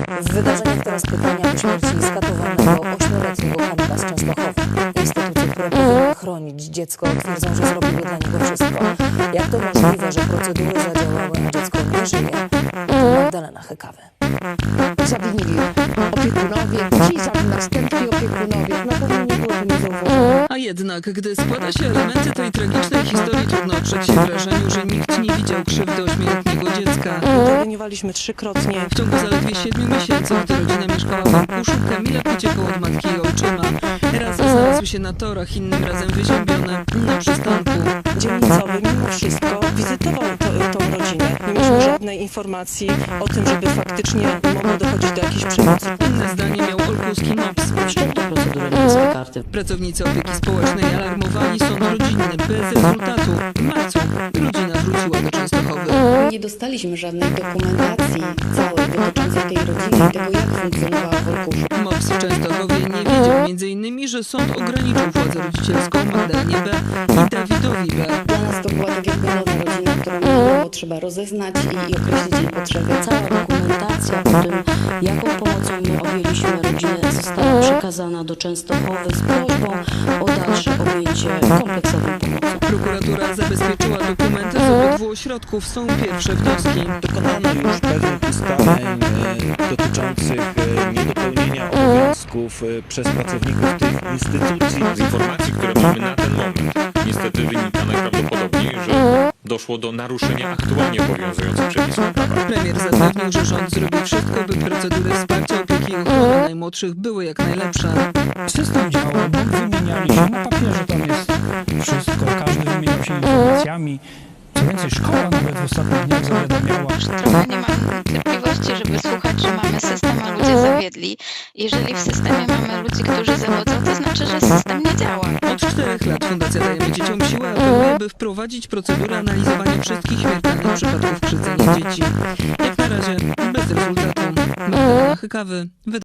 W wydarzeniach teraz pytania po śmierci skatowanego 8-letniego Kamila z Częstochowy. Instytucje, które powinny chronić dziecko, twierdzą, że zrobiły dla niego wszystko. Jak to możliwe, że procedury zadziałały, a dziecko nie żyje? Magdalena Hykawy. Zawinili opiekunowie, ci następni opiekunowie. No powinni było to nie zauważyć. A jednak, gdy składa się elementy tej tragicznej historii, trudno oprzeć się wrażeniu, że nikt nie widział krzywdy 8-letniego dziecka. Interweniowaliśmy trzykrotnie. W ciągu zaledwie 7 miesięcy, gdy rodzina mieszkała w Olkuszu, Kamilek uciekał od matki i ojczyma. Raz znalazł się na torach, innym razem wyziębiony na przystanku. Dzielnicowy mimo wszystko wizytował tą rodzinę. Nie mieliśmy żadnej informacji o tym, żeby faktycznie mogło dochodzić do jakiejś przemocy. Inne zdanie miał olkuski MOPS. Wszczęto procedurę niebieskie karty. Pracownicy opieki społecznej alarmowali sąd rodzinny bez rezultatu. W marcu rodzina wróciła do Częstochowy. Nie dostaliśmy żadnej dokumentacji całej dotyczącej tej rodziny i tego, jak funkcjonowała w Olkuszu. MOPS w Częstochowie nie wiedział m.in., że sąd ograniczył władzę rodzicielską Magdalenie B. i Dawidowi B. Dla nas to była tak jakby nowa rodzina, którą było trzeba rozeznać i określić jej potrzeby. Cała dokumentacja o tym, jaką pomocą my objęliśmy rodzinę, została przekazana do Częstochowy z prośbą o dalsze objęcie kompleksową pomocą. Prokuratura zabezpieczyła dokumenty z obydwu ośrodków. Są pierwsze wnioski. Dokonano już pewnych ustaleń dotyczących niedopełnienia obowiązków przez pracowników tych instytucji. Z informacji, które mamy na ten moment, niestety wynika najprawdopodobniej, że doszło do naruszenia aktualnie obowiązujących przepisów prawa. Premier zapewnił, że rząd zrobi wszystko, by procedury wsparcia opieki i ochrony najmłodszych były jak najlepsze. System działa, bo wymieniali się, na papierze tam jest wszystko, każdy wymieniał się informacjami. Co więcej, szkoła nawet w ostatnich dniach zawiadamiała. Trochę nie mam cierpliwości, żeby słuchać, że mamy system, a ludzie zawiedli. Jeżeli w systemie mamy ludzi, którzy zawodzą, to znaczy, że system nie działa. Od 4 lat Fundacja Dajemy Dzieciom Siłę apeluje, by wprowadzić procedurę analizowania wszystkich śmiertelnych przypadków krzywdzenia dzieci. Jak na razie bez rezultatu. Magdalena Hykawy.